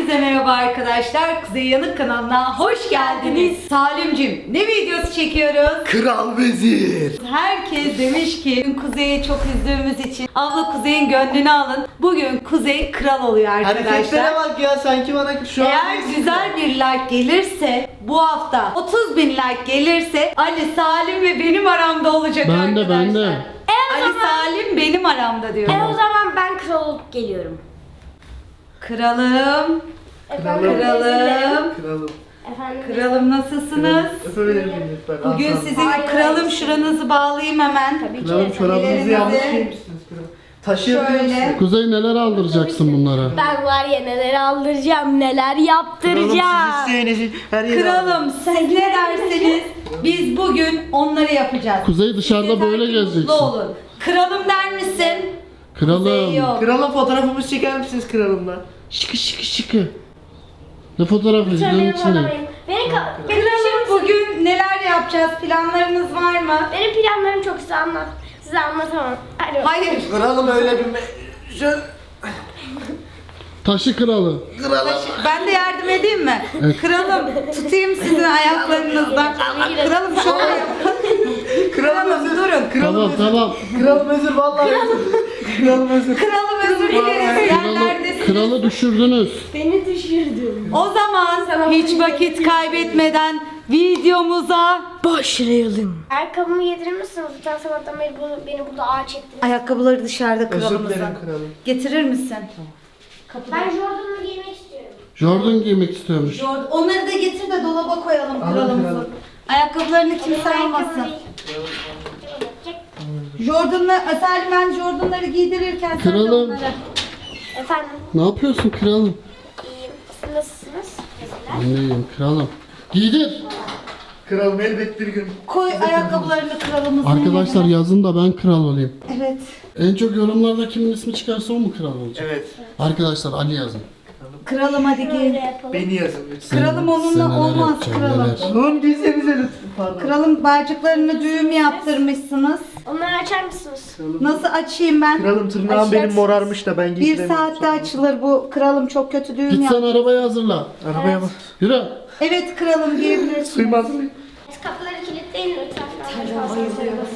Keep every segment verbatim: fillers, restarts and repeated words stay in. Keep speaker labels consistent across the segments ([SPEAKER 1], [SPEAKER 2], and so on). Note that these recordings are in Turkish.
[SPEAKER 1] Herkese merhaba arkadaşlar. Kuzey Yanık kanalına hoş geldiniz. Salimcim, ne videosu çekiyoruz?
[SPEAKER 2] Kral Vezir.
[SPEAKER 1] Herkes demiş ki Kuzey'i çok üzdüğümüz için abla Kuzey'in gönlünü alın. Bugün Kuzey kral oluyor arkadaşlar.
[SPEAKER 2] Hareketlere bak ya, sanki bana şu an...
[SPEAKER 1] Eğer güzel bir like gelirse, bu hafta otuz bin like gelirse Ali, Salim ve benim aramda olacak
[SPEAKER 3] Ben de,
[SPEAKER 1] arkadaşlar.
[SPEAKER 3] ben de.
[SPEAKER 4] E,
[SPEAKER 1] Ali,
[SPEAKER 4] zaman-
[SPEAKER 1] Salim benim aramda diyor.
[SPEAKER 4] E o zaman ben kral olup geliyorum.
[SPEAKER 1] Kralım,
[SPEAKER 4] Efendim,
[SPEAKER 1] kralım,
[SPEAKER 2] Kralım.
[SPEAKER 4] Efendim.
[SPEAKER 1] kralım nasılsınız?
[SPEAKER 2] Öpebilir miyim lütfen?
[SPEAKER 1] Bugün
[SPEAKER 2] Aslan.
[SPEAKER 1] sizin
[SPEAKER 4] Hayır,
[SPEAKER 1] kralım,
[SPEAKER 4] hayır.
[SPEAKER 1] şuranızı bağlayayım hemen.
[SPEAKER 4] Tabii ki.
[SPEAKER 2] Kralım çorabınızı
[SPEAKER 1] Ellerinizi-
[SPEAKER 2] yanlış giymişsiniz kralım. Taşıyabiliyor
[SPEAKER 1] Şöyle.
[SPEAKER 2] musunuz?
[SPEAKER 3] Kuzey neler aldıracaksın bunlara?
[SPEAKER 4] Ben var ya neler aldıracağım, neler yaptıracağım.
[SPEAKER 2] Kralım, siz isteyiniz her yere
[SPEAKER 1] Kralım, siz ne derseniz biz bugün onları yapacağız.
[SPEAKER 3] Kuzey dışarıda
[SPEAKER 1] Yeter
[SPEAKER 3] böyle
[SPEAKER 1] ki
[SPEAKER 3] gezeceksin.
[SPEAKER 1] mutlu olun. Kralım der misin? Kuzey
[SPEAKER 3] Kralım.
[SPEAKER 1] yok.
[SPEAKER 2] Kralım, fotoğrafımızı çeker misiniz kralımla?
[SPEAKER 3] Şıkı şıkı şıkı. Ne fotoğrafı?
[SPEAKER 4] Lütfen
[SPEAKER 3] Videonun
[SPEAKER 4] benim
[SPEAKER 3] içinde.
[SPEAKER 4] arabayım. Beni ka- beni taşır
[SPEAKER 1] Kralım,
[SPEAKER 4] mısın?
[SPEAKER 1] bugün neler yapacağız? Planlarınız var mı?
[SPEAKER 4] Benim planlarım çok size anlat. Size anlatamam. Hadi.
[SPEAKER 1] Hayır.
[SPEAKER 2] Kralım öyle bir... me- Şöyle...
[SPEAKER 3] Taşı kralı.
[SPEAKER 2] Kralım.
[SPEAKER 1] Ben de yardım edeyim mi? Kralım, tutayım sizin ayaklarınızdan. Kralım şöyle yapın.
[SPEAKER 2] Kralım
[SPEAKER 1] Kralım
[SPEAKER 2] özür.
[SPEAKER 1] durun.
[SPEAKER 3] Tamam tamam.
[SPEAKER 2] Kralım özür, vallahi özür. Kralım özür.
[SPEAKER 1] Kralım özür dileriz.
[SPEAKER 3] Kralı,
[SPEAKER 1] Yerlerdesiniz.
[SPEAKER 3] kralı düşürdünüz.
[SPEAKER 4] Beni düşürdün.
[SPEAKER 1] O zaman hiç vakit kaybetmeden videomuza
[SPEAKER 4] Başlayalım. Ayakkabımı yedirir misiniz? Lütfen sabahtan beri bunu, beni burada ağaç ettiniz.
[SPEAKER 1] ayakkabıları dışarıda
[SPEAKER 2] Özür
[SPEAKER 1] kralımızın.
[SPEAKER 2] dilerim kralım.
[SPEAKER 1] Getirir misin?
[SPEAKER 4] Ben Jordan'ımı giymek istiyorum.
[SPEAKER 3] Jordan giymek istiyormuş.
[SPEAKER 1] Jordan. Onları da getir de dolaba koyalım
[SPEAKER 2] Alın
[SPEAKER 1] kralımızın.
[SPEAKER 2] kralım.
[SPEAKER 1] Ayakkabılarını kimse
[SPEAKER 4] Benim ayakkabım
[SPEAKER 1] almasın.
[SPEAKER 4] değil. Çek.
[SPEAKER 1] Jordan'la, Salim, ben Jordan'ları giydirirken sen de
[SPEAKER 3] Kralım.
[SPEAKER 1] onları.
[SPEAKER 4] Efendim,
[SPEAKER 3] Ne yapıyorsun kralım?
[SPEAKER 4] iyiyim. Siz nasılsınız? Mesela.
[SPEAKER 3] Ben de iyiyim kralım. Giydir.
[SPEAKER 2] Kralım elbet bir gün.
[SPEAKER 1] Koy ayakkabılarını kralımızın
[SPEAKER 3] Arkadaşlar
[SPEAKER 1] yerine.
[SPEAKER 3] yazın da ben kral olayım.
[SPEAKER 1] Evet.
[SPEAKER 3] En çok yorumlarda kimin ismi çıkarsa o mu kral olacak?
[SPEAKER 2] Evet.
[SPEAKER 3] Arkadaşlar Ali yazın.
[SPEAKER 1] Kralım hadi giy.
[SPEAKER 4] Böyle yapalım.
[SPEAKER 2] Beni yazın lütfen.
[SPEAKER 1] Kralım
[SPEAKER 3] Sen
[SPEAKER 1] onunla
[SPEAKER 3] neler
[SPEAKER 1] olmaz
[SPEAKER 3] yapacaksın,
[SPEAKER 1] kralım.
[SPEAKER 3] neler?
[SPEAKER 2] Oğlum giysenize lütfen. Pardon.
[SPEAKER 1] Kralım bağcıklarını düğüm yaptırmışsınız.
[SPEAKER 4] Onları açar mısınız?
[SPEAKER 1] Nasıl açayım ben?
[SPEAKER 2] Kralım, tırnağım benim
[SPEAKER 4] Açacaksınız.
[SPEAKER 2] morarmış da ben
[SPEAKER 1] Bir
[SPEAKER 2] giydiremiyorum.
[SPEAKER 1] saatte açılır bu. Kralım çok kötü düğüm
[SPEAKER 3] Git sen
[SPEAKER 1] yaptı.
[SPEAKER 3] arabayı hazırla.
[SPEAKER 2] Arabaya bak.
[SPEAKER 3] Yürü.
[SPEAKER 1] Evet kralım giyebilirsin.
[SPEAKER 2] Suyumu hazırlayın.
[SPEAKER 4] Kapıları kilitleyin lütfen.
[SPEAKER 1] Tamam, bayılıyorum.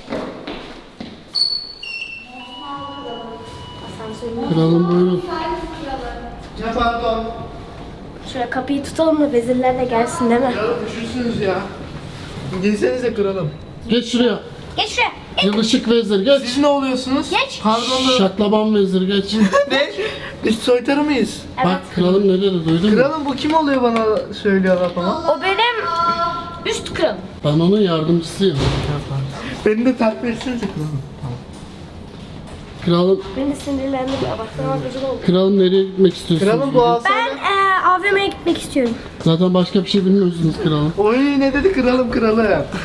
[SPEAKER 3] Kralım buyurun.
[SPEAKER 2] Ya pardon.
[SPEAKER 4] Şöyle kapıyı tutalım da vezirler de gelsin değil mi?
[SPEAKER 2] Kralım üşürsünüz ya. Giysenize kralım.
[SPEAKER 3] Geç şuraya.
[SPEAKER 4] Geç şuraya.
[SPEAKER 3] Yılışık vezir geç.
[SPEAKER 2] Siz ne oluyorsunuz?
[SPEAKER 4] Geç.
[SPEAKER 2] Pardon da...
[SPEAKER 3] Şaklaban vezir geç.
[SPEAKER 2] Ne? Biz soytarı mıyız?
[SPEAKER 3] Bak kralım ne dedi duydun mu?
[SPEAKER 2] Kralım, bu kim oluyor bana söylüyorlar falan.
[SPEAKER 4] O benim üst kralım.
[SPEAKER 3] Ben onun yardımcısıyım.
[SPEAKER 2] Beni de takip etsenize kralım.
[SPEAKER 3] Kralım,
[SPEAKER 4] Beni sinirlendiriyor. Bak sana gıcık oldu.
[SPEAKER 3] kralım nereye gitmek istiyorsunuz?
[SPEAKER 2] Kralım, bu
[SPEAKER 3] bugün?
[SPEAKER 2] alsana.
[SPEAKER 4] Ben e, A V M'ye gitmek istiyorum.
[SPEAKER 3] Zaten başka bir şey bilmiyorsunuz kralım.
[SPEAKER 2] Oy, ne dedi kralım kralım.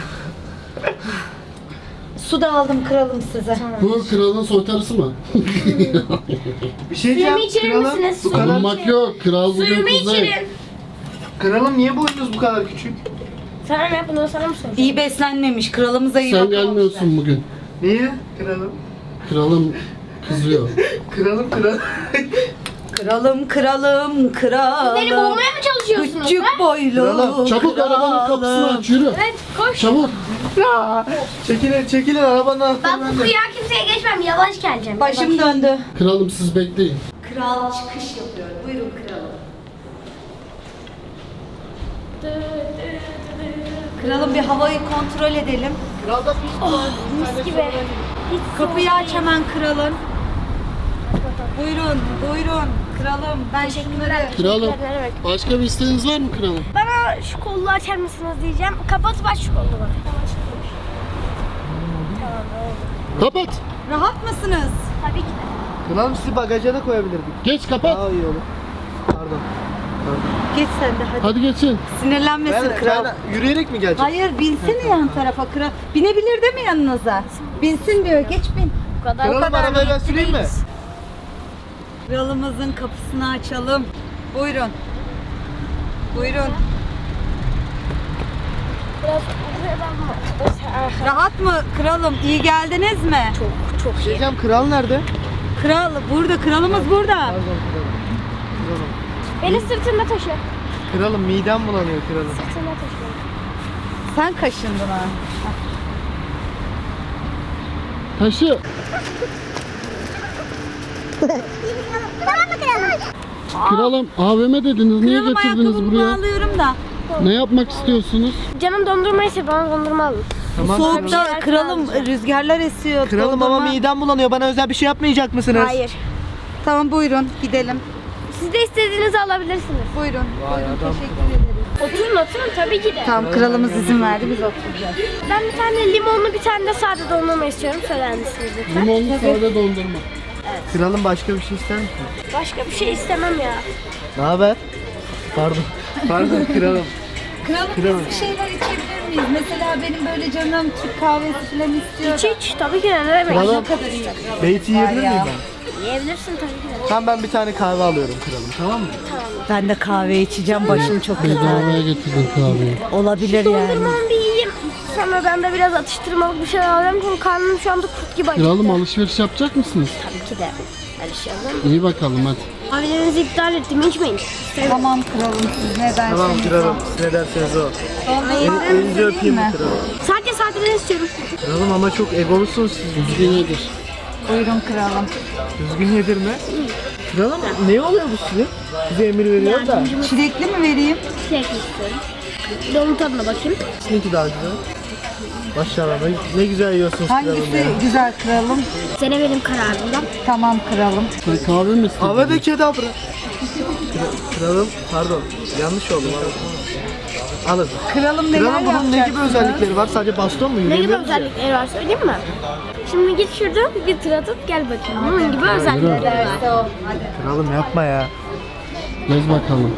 [SPEAKER 1] Su da aldım kralım size.
[SPEAKER 3] Bu kralın soytarısı mı?
[SPEAKER 2] Bir şey diyeceğim.
[SPEAKER 4] Suyumu içirir
[SPEAKER 2] kralım,
[SPEAKER 4] misiniz?
[SPEAKER 2] Bu
[SPEAKER 4] Suyumu
[SPEAKER 2] kadar...
[SPEAKER 3] Bulunmak yok. Kral bugün
[SPEAKER 4] Suyumu
[SPEAKER 3] kuzey.
[SPEAKER 4] içirin.
[SPEAKER 2] Kralım, niye boyunuz bu kadar küçük?
[SPEAKER 4] Sana ne? Bunu sana mı soracağım?
[SPEAKER 1] İyi beslenmemiş. Kralımıza iyi
[SPEAKER 3] Sen
[SPEAKER 1] bakmamışlar.
[SPEAKER 3] gelmiyorsun bugün.
[SPEAKER 2] Niye? Kralım.
[SPEAKER 3] Kralım kızıyor.
[SPEAKER 2] Kralım kralım.
[SPEAKER 1] Kralım, kralım, kralım.
[SPEAKER 4] Beni boğmaya mı çalışıyorsunuz?
[SPEAKER 1] Küçük
[SPEAKER 4] ha?
[SPEAKER 1] boylu
[SPEAKER 2] Kralım,
[SPEAKER 3] Çabuk arabanın kapısını
[SPEAKER 1] kralım.
[SPEAKER 3] aç yürü.
[SPEAKER 4] Evet koş.
[SPEAKER 3] Çabuk.
[SPEAKER 2] Ya, çekilin çekilin arabanın
[SPEAKER 4] Ben
[SPEAKER 2] altından.
[SPEAKER 4] bu kuyuya kimseye geçmem. Yavaş geleceğim.
[SPEAKER 1] Başım döndü.
[SPEAKER 3] Kralım siz bekleyin.
[SPEAKER 1] Kral çıkış yapıyor. Buyurun kralım. Kralım, bir havayı kontrol edelim.
[SPEAKER 2] Kralda pis var.
[SPEAKER 4] Mis gibi. Hiç
[SPEAKER 1] Kapıyı aç hemen kralın. Buyurun, buyurun. Kralım, ben şunları...
[SPEAKER 3] Kralım
[SPEAKER 4] Evet.
[SPEAKER 3] başka bir isteğiniz var mı kralım?
[SPEAKER 4] Bana şu kolunu açar mısınız diyeceğim. Kapatıp aç şu kolunu bana.
[SPEAKER 3] Kapat.
[SPEAKER 1] Rahat mısınız?
[SPEAKER 4] Tabii ki de.
[SPEAKER 2] Kralım, sizi bagaja da koyabilirdik.
[SPEAKER 3] Geç kapat.
[SPEAKER 2] Daha iyi olur. Pardon. Pardon.
[SPEAKER 1] Geç sen de hadi.
[SPEAKER 3] Hadi geçin.
[SPEAKER 1] Sinirlenmesin
[SPEAKER 2] Ben,
[SPEAKER 1] kral.
[SPEAKER 2] ben yürüyerek mi geleceğim?
[SPEAKER 1] Hayır, binsene yan tarafa kral. Binebilir değil mi yanınıza? Binsin diyor, geç bin.
[SPEAKER 4] Bu kadar.
[SPEAKER 2] Kralım,
[SPEAKER 4] kadar
[SPEAKER 2] arabayı ben
[SPEAKER 4] niyetli
[SPEAKER 2] süreyim mi?
[SPEAKER 4] değiliz.
[SPEAKER 1] Kralımızın kapısını açalım. Buyurun. Buyurun.
[SPEAKER 4] Biraz uzayalım.
[SPEAKER 1] Rahat mı kralım? İyi geldiniz mi?
[SPEAKER 4] Çok çok iyi.
[SPEAKER 2] Diyeceğim, kral nerede?
[SPEAKER 1] Kral burada, kralımız burada.
[SPEAKER 2] Pardon kralım. Kralım.
[SPEAKER 4] Beni sırtında taşı.
[SPEAKER 2] Kralım midem bulanıyor kralım.
[SPEAKER 4] Sırtında taşı.
[SPEAKER 1] Sen kaşındın ha.
[SPEAKER 3] Taşı.
[SPEAKER 4] Tamam mı kralım?
[SPEAKER 3] Kralım A V M dediniz. Niye
[SPEAKER 1] Kralım
[SPEAKER 3] getirdiniz
[SPEAKER 1] ayakkabımı
[SPEAKER 3] buraya?
[SPEAKER 1] bağlıyorum da.
[SPEAKER 3] Ne yapmak istiyorsunuz?
[SPEAKER 4] Canım dondurma ise bana dondurma alın.
[SPEAKER 2] Tamam.
[SPEAKER 1] Soğukta
[SPEAKER 4] kralım.
[SPEAKER 1] kralım rüzgarlar esiyor.
[SPEAKER 2] Kralım ama
[SPEAKER 1] dondurma-
[SPEAKER 2] midem bulanıyor. Bana özel bir şey yapmayacak mısınız?
[SPEAKER 4] Hayır.
[SPEAKER 1] Tamam buyurun gidelim.
[SPEAKER 4] Siz de istediğinizi alabilirsiniz.
[SPEAKER 1] Buyurun.
[SPEAKER 2] Vay
[SPEAKER 1] Buyurun
[SPEAKER 2] adam.
[SPEAKER 1] teşekkür ederiz.
[SPEAKER 4] Oturun oturun tabii ki de.
[SPEAKER 1] Tamam kralımız izin verdi biz oturacağız.
[SPEAKER 4] Ben bir tane limonlu bir tane de sade dondurma istiyorum. Söyler misiniz lütfen?
[SPEAKER 3] Limonlu sade dondurma.
[SPEAKER 2] Kralım başka bir şey ister misin?
[SPEAKER 4] Başka bir şey istemem ya.
[SPEAKER 2] Ne haber? Pardon. Pardon kralım.
[SPEAKER 1] Kralım
[SPEAKER 2] Kralım.
[SPEAKER 1] biz bir şeyler içebilir miyiz? Mesela benim böyle canım Türk kahvesi falan istiyor.
[SPEAKER 4] İç iç tabii ki de ne demek.
[SPEAKER 2] Kralım.
[SPEAKER 1] Ne kadar iyi.
[SPEAKER 2] Beyti yiyebilir
[SPEAKER 1] ya.
[SPEAKER 2] miyim ben?
[SPEAKER 4] Yiyebilirsin tabii ki de.
[SPEAKER 2] Tamam ben bir tane kahve alıyorum kralım tamam mı?
[SPEAKER 1] Ben de kahve içeceğim başım çok kötü.
[SPEAKER 3] Bedavaya getirdim kahveyi.
[SPEAKER 1] Olabilir yani.
[SPEAKER 4] Dondurmamı bir yiyeyim. Sonra ben de biraz atıştırmalık bir şeyler alacağım. Çünkü karnım şu anda kurt gibi acıktı.
[SPEAKER 3] Kralım alışveriş yapacak mısınız?
[SPEAKER 4] Tabii ki de. Alışalım.
[SPEAKER 3] İyi bakalım hadi.
[SPEAKER 4] Kahvelerinizi iptal ettim. İçmeyin.
[SPEAKER 1] Tamam kralım siz ne derseniz.
[SPEAKER 2] Tamam kralım siz ne derseniz o.
[SPEAKER 1] Dondurma
[SPEAKER 2] Elinizi öpeyim mi
[SPEAKER 1] mi?
[SPEAKER 2] kralım?
[SPEAKER 4] Sadece sadece istiyorum.
[SPEAKER 2] Kralım ama çok egolusun siz.
[SPEAKER 3] Düzgün yedir.
[SPEAKER 1] Buyurun kralım.
[SPEAKER 2] Düzgün yedirme. Kralım ne oluyor bu sizin? Size emir veriyor da.
[SPEAKER 1] Çilekli mi vereyim?
[SPEAKER 4] Şey istiyorum. Bir de onun tadına bakayım.
[SPEAKER 2] Sizinki daha güzel. Maşallah ne, ne güzel yiyorsunuz kralım
[SPEAKER 1] Hangisi
[SPEAKER 2] ya.
[SPEAKER 1] güzel kralım?
[SPEAKER 4] Sene benim kararımdan.
[SPEAKER 1] Tamam kralım.
[SPEAKER 3] Sen kahve mi istedin?
[SPEAKER 2] Havada kedabra. Kra- Kralım pardon yanlış oldu. Alın. Alın.
[SPEAKER 1] Kralım neler
[SPEAKER 2] Kralım bunun ne gibi
[SPEAKER 1] yapacaksınız?
[SPEAKER 2] özellikleri var? Sadece baston mu?
[SPEAKER 4] Ne gibi
[SPEAKER 2] Yürüyebiliyor musun?
[SPEAKER 4] özellikleri var söyleyeyim mi? Şimdi git şuradan bir tur atıp gel bakayım. Bunun gibi özellikleri var.
[SPEAKER 1] Derse o. Hadi.
[SPEAKER 2] Kralım yapma ya.
[SPEAKER 3] Gez bakalım.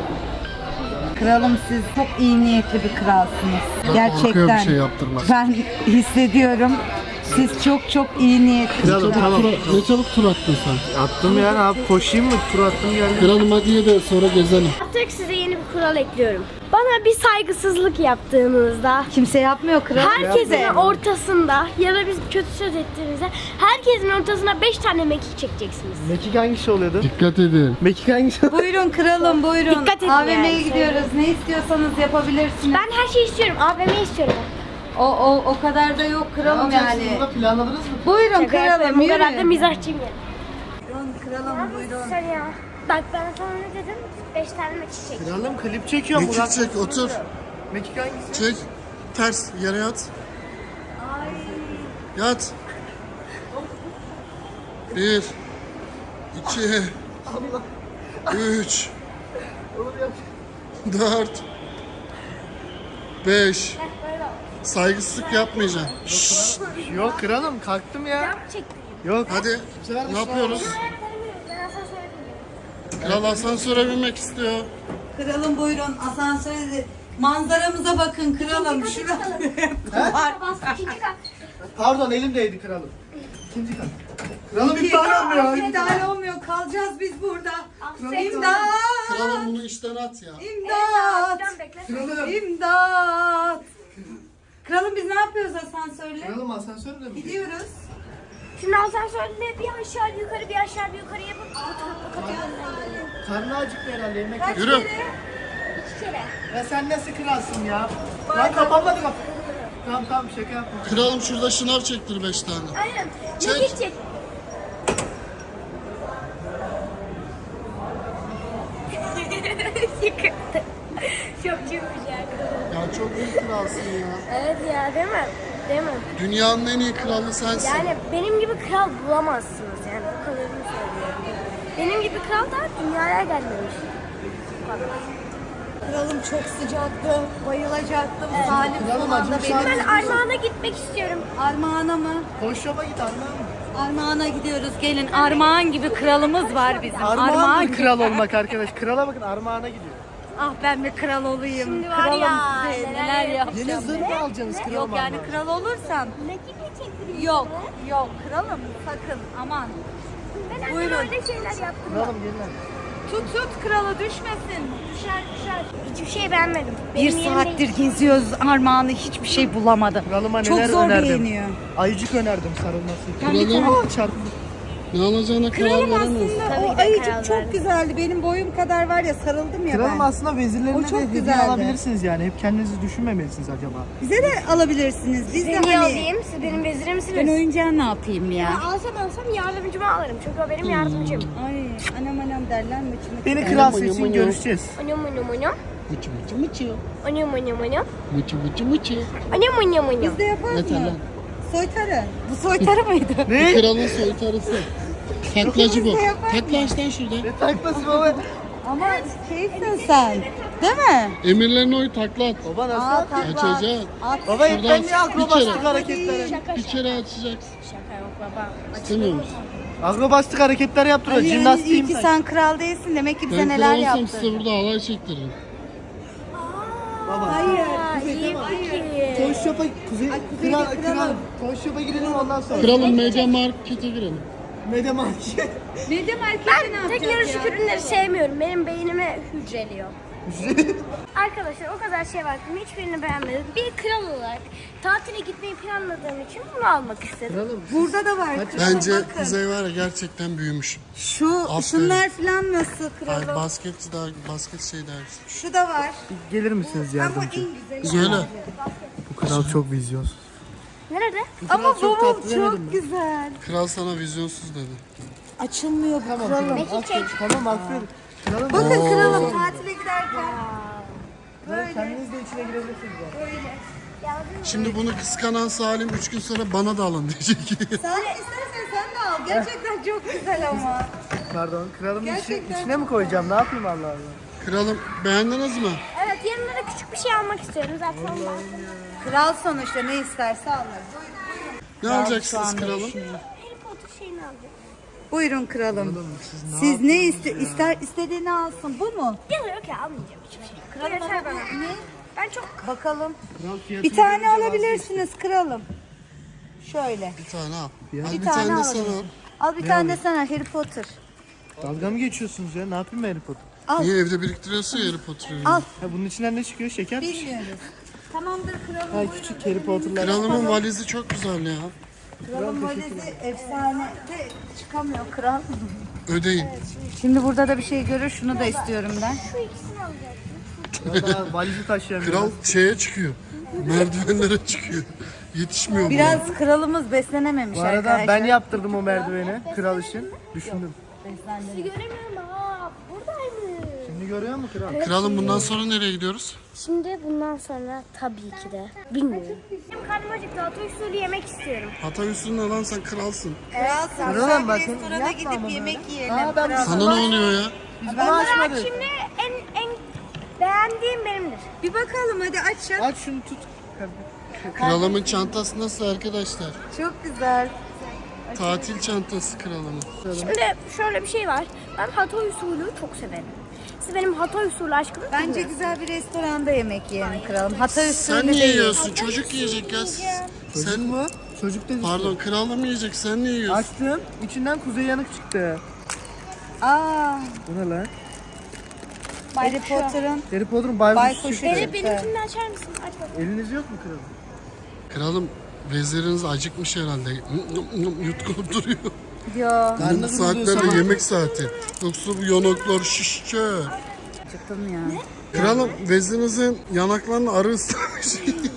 [SPEAKER 1] Kralım siz çok iyi niyetli bir kralsınız.
[SPEAKER 3] Korkuyor
[SPEAKER 1] Gerçekten.
[SPEAKER 3] bir şey yaptırmaz.
[SPEAKER 1] Ben hissediyorum. Siz çok çok iyi niyetli.
[SPEAKER 2] Kralım
[SPEAKER 3] Çabuk
[SPEAKER 2] tamam.
[SPEAKER 3] tur, ne çabuk tur attın sen.
[SPEAKER 2] Attım ya abi koşayım mı? Tur attım geldim.
[SPEAKER 3] Kralım hadi ye de sonra gezelim.
[SPEAKER 4] Artık size yeni bir kural ekliyorum. Bana bir saygısızlık yaptığınızda,
[SPEAKER 1] Kimse yapmıyor kralım.
[SPEAKER 4] herkesin ortasında ya da biz kötü söz ettiğinizde herkesin ortasına beş tane mekik çekeceksiniz.
[SPEAKER 2] Mekik hangisi oluyordu?
[SPEAKER 3] Dikkat edin.
[SPEAKER 2] Mekik hangisi?
[SPEAKER 1] Buyurun kralım buyurun.
[SPEAKER 4] Dikkat edin
[SPEAKER 1] A V M'ye
[SPEAKER 4] yani.
[SPEAKER 1] gidiyoruz. Ne istiyorsanız yapabilirsiniz.
[SPEAKER 4] Ben her şeyi istiyorum. A V M istiyorum.
[SPEAKER 1] O, o, o kadar da yok kralım yani.
[SPEAKER 2] Burada planladınız mı?
[SPEAKER 1] Buyurun
[SPEAKER 4] Şaka yapıyorum,
[SPEAKER 1] kralım
[SPEAKER 4] bu kadar da
[SPEAKER 1] yürü.
[SPEAKER 4] mizahçıyım yani.
[SPEAKER 1] Buyurun kralım buyurun.
[SPEAKER 4] Sen ya. Bak ben sana ne dedim? beş tane mekik çek.
[SPEAKER 2] Kralım klip çekiyorum.
[SPEAKER 3] Mekik çek otur.
[SPEAKER 2] Mekik hangisi?
[SPEAKER 3] Çek. Ters yere yat. Yat. Bir. iki, Üç. Dört. Beş. Saygısızlık yapmayacağım.
[SPEAKER 2] Yok kralım kalktım ya.
[SPEAKER 4] Çek.
[SPEAKER 2] Yok.
[SPEAKER 3] Hadi. Ne yapıyoruz?
[SPEAKER 4] Ben asansöre bineceğim.
[SPEAKER 3] Kral asansöre binmek istiyor.
[SPEAKER 1] Kralım buyurun asansöre manzaramıza bakın kralım. Şurada var.
[SPEAKER 4] Bas ikinci kat.
[SPEAKER 2] Pardon elimdeydi kralım. İkinci kat. Kralım iptal olmuyor.
[SPEAKER 1] İptal olmuyor. Kalacağız biz burada.
[SPEAKER 4] Aferin.
[SPEAKER 1] İmdat!
[SPEAKER 3] Kralım bunu işten at ya.
[SPEAKER 1] İmdat!
[SPEAKER 4] Can bekle.
[SPEAKER 2] Kralım.
[SPEAKER 1] İmdat! Kralım biz ne yapıyoruz asansörle?
[SPEAKER 2] Kralım asansörle mi?
[SPEAKER 1] Gidiyoruz.
[SPEAKER 4] Şimdi asansörle bir aşağı bir yukarı bir aşağı bir yukarı yapıp bu tarafa kata gönderelim.
[SPEAKER 2] Karnı acıktı herhalde yemek.
[SPEAKER 1] Kaç
[SPEAKER 3] Yürü.
[SPEAKER 1] kere?
[SPEAKER 4] İki kere.
[SPEAKER 2] Ya sen nasıl kralsın ya? Lan kapanmadı kapı. Tamam tamam şaka yapma.
[SPEAKER 3] Kralım şurada şınav çektir beş tane.
[SPEAKER 4] Aynen.
[SPEAKER 3] Çek.
[SPEAKER 4] Mekik çek. Yıkıldı. Çok çılmış yani.
[SPEAKER 3] Ya çok büyük kralsın ya.
[SPEAKER 4] Evet ya değil mi? Değil mi?
[SPEAKER 3] Dünyanın en iyi kralı sensin.
[SPEAKER 4] Yani benim gibi kral bulamazsınız yani o kadarını söylüyorum. Benim gibi kral da dünyaya gelmemiş. Bu kadar.
[SPEAKER 1] Kralım çok sıcaktı. Bayılacaktım. Salim
[SPEAKER 2] kralım,
[SPEAKER 1] son anda
[SPEAKER 2] acım
[SPEAKER 1] beni...
[SPEAKER 4] Ben Armağan'a gitmek istiyorum.
[SPEAKER 1] Armağan'a mı?
[SPEAKER 2] Koş şopa git Armağan mı?
[SPEAKER 1] Armağan'a gidiyoruz. Gelin. Armağan gibi kralımız var bizim.
[SPEAKER 2] Armağan mı
[SPEAKER 1] gibi.
[SPEAKER 2] kral olmak arkadaş? Krala bakın Armağan'a gidiyor.
[SPEAKER 1] Ah ben bir kral olayım.
[SPEAKER 4] Şimdi var
[SPEAKER 1] Kralım
[SPEAKER 4] ya,
[SPEAKER 1] size
[SPEAKER 4] neler
[SPEAKER 1] neler
[SPEAKER 2] Yeni
[SPEAKER 1] yapacağım.
[SPEAKER 2] zırh mı alacaksınız kralım?
[SPEAKER 1] Yok yani
[SPEAKER 2] Armağan?
[SPEAKER 1] kral olursam.
[SPEAKER 4] Mekik mi çektireyim?
[SPEAKER 1] Yok yok kralım sakın aman.
[SPEAKER 4] Ben annem
[SPEAKER 1] Buyurun.
[SPEAKER 4] öyle şeyler yaptım.
[SPEAKER 2] Kralım gelin hadi.
[SPEAKER 1] Tut tut kralı düşmesin.
[SPEAKER 4] Düşer düşer. Hiçbir şey beğenmedim.
[SPEAKER 1] Bir
[SPEAKER 4] Benim yerimde-
[SPEAKER 1] saattir geziyoruz Armağan'ı hiçbir şey bulamadı.
[SPEAKER 2] Kralıma
[SPEAKER 1] Çok
[SPEAKER 2] neler
[SPEAKER 1] zor
[SPEAKER 2] önerdim.
[SPEAKER 1] beğeniyor.
[SPEAKER 2] Ayıcık önerdim sarılması için.
[SPEAKER 3] Kralım.
[SPEAKER 2] Çarptı.
[SPEAKER 3] Ne alacağına karar
[SPEAKER 1] Kralım
[SPEAKER 3] veremiyorsun.
[SPEAKER 1] aslında
[SPEAKER 4] Tabii
[SPEAKER 1] o
[SPEAKER 4] ki de
[SPEAKER 1] ayıcık
[SPEAKER 4] karar
[SPEAKER 1] çok
[SPEAKER 4] verdim.
[SPEAKER 1] güzeldi. Benim boyum kadar var ya, sarıldım ya
[SPEAKER 2] Kralım
[SPEAKER 1] ben.
[SPEAKER 2] aslında vezirlerine
[SPEAKER 1] O
[SPEAKER 2] de
[SPEAKER 1] çok
[SPEAKER 2] hediye
[SPEAKER 1] güzeldi.
[SPEAKER 2] alabilirsiniz yani. Hep kendinizi düşünmemelisiniz acaba.
[SPEAKER 1] Bize de alabilirsiniz. Biz de
[SPEAKER 4] Size niye
[SPEAKER 1] hani...
[SPEAKER 4] alayım? Siz benim vezirim misiniz?
[SPEAKER 1] Ben oyuncağı ne yapayım ya?
[SPEAKER 4] Ya alsam alsam yardımcımı alırım. Çünkü o benim yardımcım.
[SPEAKER 1] Ay anam anam derler mi? Çimik
[SPEAKER 2] Beni
[SPEAKER 1] derler.
[SPEAKER 2] kral
[SPEAKER 3] Mıcı
[SPEAKER 2] seçin,
[SPEAKER 3] mıcı.
[SPEAKER 2] görüşeceğiz.
[SPEAKER 4] Onum onum onum.
[SPEAKER 3] Mıçı mıçı mıçı.
[SPEAKER 4] Onum onum onum.
[SPEAKER 3] Mıçı mıçı mıçı.
[SPEAKER 4] Onum onum onum.
[SPEAKER 1] Biz de yaparız
[SPEAKER 3] Yeter
[SPEAKER 1] mı?
[SPEAKER 3] lan.
[SPEAKER 1] Soytarı. Bu soytarı mıydı?
[SPEAKER 2] Ne?
[SPEAKER 3] Kralın soytarısı. Taklacı bu.
[SPEAKER 1] Biz de yaparız.
[SPEAKER 3] Takla açtan şurada.
[SPEAKER 2] Ne taklası baba?
[SPEAKER 1] Ama keyifsin sen. Değil mi?
[SPEAKER 3] Emirlerine oy takla at.
[SPEAKER 2] Baba nasıl?
[SPEAKER 1] Aa takla.
[SPEAKER 3] Açacak.
[SPEAKER 1] At.
[SPEAKER 2] Baba hep
[SPEAKER 3] Şuradan
[SPEAKER 2] ben niye
[SPEAKER 3] bir kere.
[SPEAKER 2] akrobastik hareketler?
[SPEAKER 3] Bir kere açacaksın.
[SPEAKER 4] Şaka yok baba.
[SPEAKER 3] İstemiyor musun?
[SPEAKER 2] Akrobastik hareketler yaptırıyor.
[SPEAKER 1] Ali, yani iyi
[SPEAKER 2] Jimnastiğim
[SPEAKER 1] ki
[SPEAKER 2] sen.
[SPEAKER 1] sen kral değilsin. Demek ki bize
[SPEAKER 3] Ben
[SPEAKER 1] neler
[SPEAKER 3] kral olsam
[SPEAKER 1] yaptın.
[SPEAKER 3] size burada halay çektiririm.
[SPEAKER 2] Baba.
[SPEAKER 1] Hayır.
[SPEAKER 4] Aa, iyi fikir.
[SPEAKER 2] Toy Shop'a kuzey,
[SPEAKER 1] Kuzey
[SPEAKER 2] kral,
[SPEAKER 1] kralım.
[SPEAKER 2] kral, Toy Shop'a girelim ondan sonra.
[SPEAKER 3] Kralın Media Market'e girelim.
[SPEAKER 2] Media Market.
[SPEAKER 1] Medya markette ne
[SPEAKER 4] Ben
[SPEAKER 1] yapacağız
[SPEAKER 4] teknolojik
[SPEAKER 1] ya?
[SPEAKER 4] ürünleri sevmiyorum. Benim beynime hücreliyor. Arkadaşlar o kadar şey var. Hiçbirini beğenmedim. Bir kral olarak tatile gitmeyi planladığım için bunu almak istedim.
[SPEAKER 2] Kralım.
[SPEAKER 1] Burada da var. kralım,
[SPEAKER 3] Bence
[SPEAKER 1] bakın.
[SPEAKER 3] Kuzey var ya gerçekten büyümüş.
[SPEAKER 1] Şu,
[SPEAKER 3] Aferin.
[SPEAKER 1] şunlar falan nasıl
[SPEAKER 3] Ay,
[SPEAKER 1] kralım?
[SPEAKER 3] basket daha basket şey dersin.
[SPEAKER 1] Şu da var.
[SPEAKER 2] Gelir misiniz
[SPEAKER 1] Ama
[SPEAKER 2] yardımcı?
[SPEAKER 1] en güzeli.
[SPEAKER 3] Söyle.
[SPEAKER 2] Bu kral çok vizyonsuz.
[SPEAKER 4] Nerede?
[SPEAKER 1] Ama
[SPEAKER 2] çok
[SPEAKER 1] bavul
[SPEAKER 2] tatlı demedim
[SPEAKER 1] çok
[SPEAKER 2] mi?
[SPEAKER 1] güzel.
[SPEAKER 3] Kral sana vizyonsuz dedi.
[SPEAKER 1] Açılmıyor bu kralım.
[SPEAKER 2] Aferin, tamam aferin. Kralım.
[SPEAKER 1] Bakın kralım tatile giderken.
[SPEAKER 2] Böyle. Kendiniz de içine girebilirsiniz. yani.
[SPEAKER 3] Şimdi bunu kıskanan Salim üç gün sonra bana da alın diyecek.
[SPEAKER 1] Sen istersen sen de al. Gerçekten çok güzel ama.
[SPEAKER 2] Pardon, kralın içi,
[SPEAKER 1] Gerçekten
[SPEAKER 2] içine mi koyacağım? Ne yapayım Allah Allah?
[SPEAKER 3] Kralım beğendiniz mi?
[SPEAKER 4] Evet yanına da küçük bir şey almak istiyorum zaten ondan.
[SPEAKER 1] Kral sonuçta ne isterse alır.
[SPEAKER 3] Ne
[SPEAKER 1] Şu
[SPEAKER 3] alacaksınız
[SPEAKER 1] anda
[SPEAKER 3] kralım?
[SPEAKER 1] düşünüyor.
[SPEAKER 4] Harry Potter şeyini alacağım.
[SPEAKER 1] Buyurun kralım. Siz ne iste ister istediğini alsın. Bu mu?
[SPEAKER 4] Yok yok ya almayacağım hiçbir şey. Kral yeter bana.
[SPEAKER 1] Ne?
[SPEAKER 4] Ben çok
[SPEAKER 1] Bakalım.
[SPEAKER 2] Kral fiyatını
[SPEAKER 1] Bir tane
[SPEAKER 2] görünce
[SPEAKER 1] alabilirsiniz kralım. Şöyle.
[SPEAKER 3] Bir tane al.
[SPEAKER 2] Ya.
[SPEAKER 3] Al
[SPEAKER 1] Bir
[SPEAKER 3] bir
[SPEAKER 1] tane
[SPEAKER 3] tane de sen
[SPEAKER 1] alalım.
[SPEAKER 3] al.
[SPEAKER 1] Al bir tane de sana Harry Potter.
[SPEAKER 2] vazgeçtim. Dalga mı geçiyorsunuz ya? Ne yapayım Harry Potter?
[SPEAKER 1] Al.
[SPEAKER 3] Niye evde biriktiriyorsun ya Harry Potter'ı?
[SPEAKER 1] Al.
[SPEAKER 2] Ha, bunun içinden ne çıkıyor? Şeker mi?
[SPEAKER 1] Bilmiyoruz. Tamamdır kralım.
[SPEAKER 2] Ha, küçük Harry Potter'lar.
[SPEAKER 3] Kralımın valizi çok güzel ya.
[SPEAKER 1] Kralın valizi efsane de çıkamıyor kral.
[SPEAKER 3] Ödeyin.
[SPEAKER 1] Şimdi burada da bir şey görür. Şunu da istiyorum ben.
[SPEAKER 4] şu ikisini alacağım.
[SPEAKER 2] Ya daha valizi taşıyamıyor.
[SPEAKER 3] Kral şeye çıkıyor. Merdivenlere çıkıyor. Yetişmiyor bu.
[SPEAKER 1] Biraz kralımız beslenememiş
[SPEAKER 2] Bu arada
[SPEAKER 1] arkadaşlar.
[SPEAKER 2] ben yaptırdım o merdiveni kral için. Düşündüm.
[SPEAKER 4] Sizi göremiyorum aa buradaymış.
[SPEAKER 2] Şimdi görüyor musun kral?
[SPEAKER 3] Kralım bundan sonra nereye gidiyoruz?
[SPEAKER 4] Şimdi bundan sonra tabii ki de bilmiyorum. Benim karnım acıktı. Hatay usulü yemek istiyorum.
[SPEAKER 3] Hatay üstüne alan sen kralsın.
[SPEAKER 1] Kralsın.
[SPEAKER 2] Kralım
[SPEAKER 1] Sen bir
[SPEAKER 2] bakın,
[SPEAKER 1] restorana
[SPEAKER 2] yapma
[SPEAKER 1] gidip
[SPEAKER 2] ama
[SPEAKER 1] yemek
[SPEAKER 2] böyle.
[SPEAKER 1] yiyelim.
[SPEAKER 2] Aa, ben
[SPEAKER 1] kral.
[SPEAKER 3] Sana ne oluyor ya?
[SPEAKER 2] Biz bunu
[SPEAKER 4] Olarak
[SPEAKER 2] açmadık.
[SPEAKER 4] şimdi en en beğendiğim benimdir.
[SPEAKER 1] Bir bakalım hadi aç ya.
[SPEAKER 2] Aç şunu tut.
[SPEAKER 3] Kralımın çantası nasıl arkadaşlar?
[SPEAKER 1] Çok güzel.
[SPEAKER 3] Tatil çantası kralımın.
[SPEAKER 4] Şimdi şöyle bir şey var. Ben Hatay usulü çok severim. Siz benim Hatay usulü aşkımı
[SPEAKER 1] Bence
[SPEAKER 4] bilmiyorsunuz.
[SPEAKER 1] güzel bir restoranda yemek yiyelim kralım. Hatay usulü
[SPEAKER 3] Sen niye
[SPEAKER 1] değil.
[SPEAKER 3] yiyorsun? Çocuk yiyecek ya.
[SPEAKER 2] Çocuk
[SPEAKER 3] Sen
[SPEAKER 2] mu? Çocuk dedi.
[SPEAKER 3] Pardon kralım yiyecek. Sen niye yiyorsun?
[SPEAKER 2] Açtım. İçinden kuzey yanık çıktı.
[SPEAKER 1] Aa,
[SPEAKER 2] Bu ne lan?
[SPEAKER 1] Harry Potter'ın
[SPEAKER 2] Harry Potter'ın baykuş
[SPEAKER 1] Baykuşu.
[SPEAKER 2] çıktı.
[SPEAKER 4] Beni benimkini açar mısın? Aç bakalım.
[SPEAKER 2] Eliniz yok mu kralım?
[SPEAKER 3] Kralım veziriniz acıkmış herhalde. Yutkulup duruyor.
[SPEAKER 1] ya.
[SPEAKER 3] Bu
[SPEAKER 2] Karnınız
[SPEAKER 3] saatlerde
[SPEAKER 2] doyuyorsa-
[SPEAKER 3] yemek saati. Yoksa bu yanaklar şişecek.
[SPEAKER 1] Çıktım ya.
[SPEAKER 3] Kralım vezirinizin yanaklarını arı ıslamış.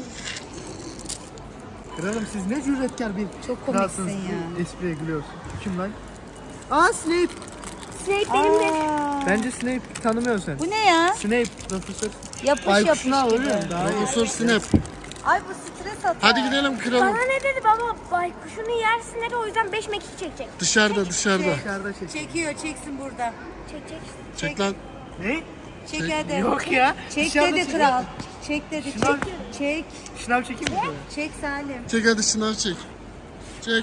[SPEAKER 2] Kralım siz ne cüretkar bir
[SPEAKER 1] Çok
[SPEAKER 2] kralsınız.
[SPEAKER 1] komiksin ya.
[SPEAKER 2] Espriye gülüyorsun. Kim lan? Aa Snape.
[SPEAKER 4] Snape benimdir.
[SPEAKER 1] Aa,
[SPEAKER 2] Bence Snape tanımıyorsun sen.
[SPEAKER 1] bu ne ya?
[SPEAKER 2] Snape profesör.
[SPEAKER 1] Yapış
[SPEAKER 2] Baykuşunu al
[SPEAKER 1] yapış gibi.
[SPEAKER 2] oğlum. Daha iyi.
[SPEAKER 3] Profesör Snap.
[SPEAKER 1] Ay bu stres atar.
[SPEAKER 3] Hadi gidelim kralım.
[SPEAKER 4] Bana ne dedi baba? Baykuşunu yersin dedi o yüzden beş mekik çekecek.
[SPEAKER 3] Dışarıda dışarıda.
[SPEAKER 2] Dışarıda çek.
[SPEAKER 1] Çekiyor çeksin burada.
[SPEAKER 4] Çekecek.
[SPEAKER 3] Çek lan.
[SPEAKER 2] Ne?
[SPEAKER 1] Çek hadi.
[SPEAKER 2] Yok ya.
[SPEAKER 1] Çek
[SPEAKER 2] Dışarıda
[SPEAKER 1] dedi
[SPEAKER 2] çek.
[SPEAKER 1] kral. Çek dedi.
[SPEAKER 2] Şınav.
[SPEAKER 1] Çek. Çek.
[SPEAKER 2] Şınav çekeyim mi? şöyle?
[SPEAKER 1] Çek Salim.
[SPEAKER 3] Çek hadi şınav çek. Çek.